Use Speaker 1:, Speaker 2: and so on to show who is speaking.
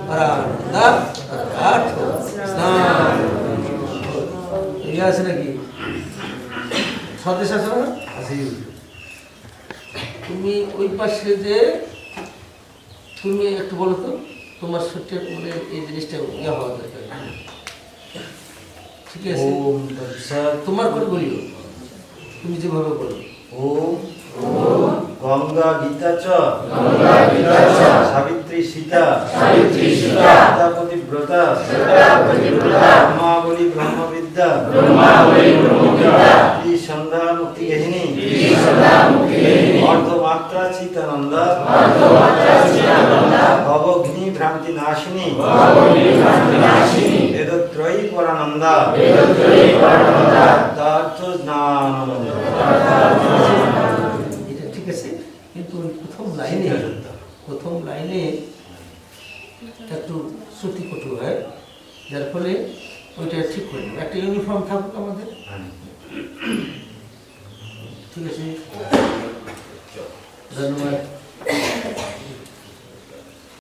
Speaker 1: পরানন্দা তথার্থ স্নান এই আছে নাকি স্বদেশ আছে না আছে তুমি ওই পাশে যে তুমি একটু বলো তো তোমার শরীরের মানে এই জিনিসটা ইয়ে হওয়া দরকার ঠিক আছে তোমার করে বলিও তুমি যেভাবে বলো
Speaker 2: ওম গঙ্গা গীতা চ সাবিত্রী সীতা পতিব্রতা ব্রহ্মাবলী ব্রহ্মবিদ্যা সন্ধ্যা মুক্তিগেহিনী অর্ধমাত্রা চিতানন্দা ভবঘ্নি ভ্রান্তি নাশিনী বেদত্রয়ী পরানন্দা তথার্থ জ্ঞানানন্দ।
Speaker 1: এটা ঠিক আছে কিন্তু প্রথম লাইনে একটু শ্রুতি কটু হয় যার ফলে ওইটা ঠিক করে নেব একটা ইউনিফর্ম থাকুক আমাদের ঠিক আছে ধন্যবাদ।